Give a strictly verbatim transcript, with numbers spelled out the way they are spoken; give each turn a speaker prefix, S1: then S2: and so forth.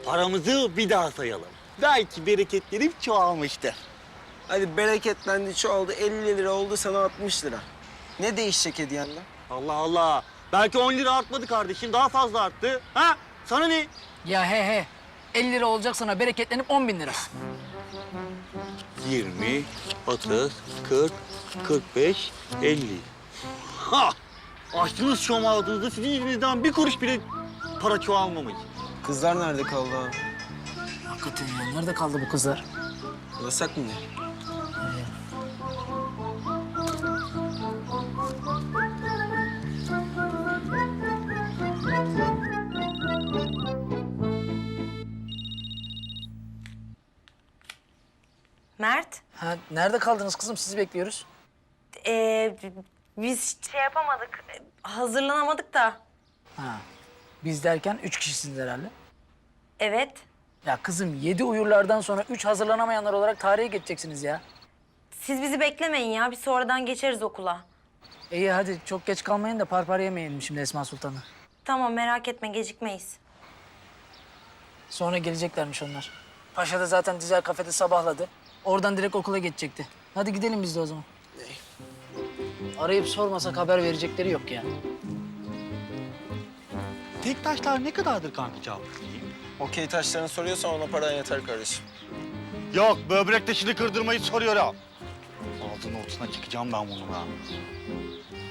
S1: Paramızı bir daha sayalım. Belki bereketlenip çoğalmıştır.
S2: Hadi bereketlendi, çoğaldı. elli lira oldu sana altmış lira. Ne değişecek hediyende?
S1: Allah Allah. Belki on lira artmadı kardeşim. Daha fazla arttı. Ha? Sana ne?
S3: Ya he he. elli lira olacak sana bereketlenip on bin lira.
S1: yirmi, otuz, kırk, kırk beş, elli. Ha! Açtınız şom ağzınızı. Sizin yüzünüzden bir kuruş bile para çoğalmamış.
S2: Kızlar nerede kaldı ha?
S3: Hakikaten ya. Nerede kaldı bu kızlar?
S2: Yasak mı ne?
S4: Mert,
S3: Ha, nerede kaldınız kızım? Sizi bekliyoruz.
S4: ee, biz şey yapamadık, hazırlanamadık da.
S3: Ha. Biz derken üç kişisiniz herhalde.
S4: Evet,
S3: Ya kızım yedi uyurlardan sonra üç hazırlanamayanlar olarak tarihe geçeceksiniz ya.
S4: siz bizi beklemeyin ya, biz sonradan geçeriz okula.
S3: İyi hadi çok geç kalmayın da parpar yemeyelim şimdi Esma Sultan'ı.
S4: Tamam, merak etme, gecikmeyiz.
S3: Sonra geleceklermiş onlar. Paşa da zaten dizel kafede sabahladı. Oradan direkt okula geçecekti. Hadi gidelim biz de o zaman. Arayıp sormasak haber verecekleri yok ya.
S1: Tek taşlar ne kadardır kanka cevap?
S2: Okey taşlarını soruyorsan ona paran yeter kardeşim.
S1: Yok, böbrek taşını kırdırmayı soruyor ha. Ağzının ortasına çıkacağım ben bunun ha.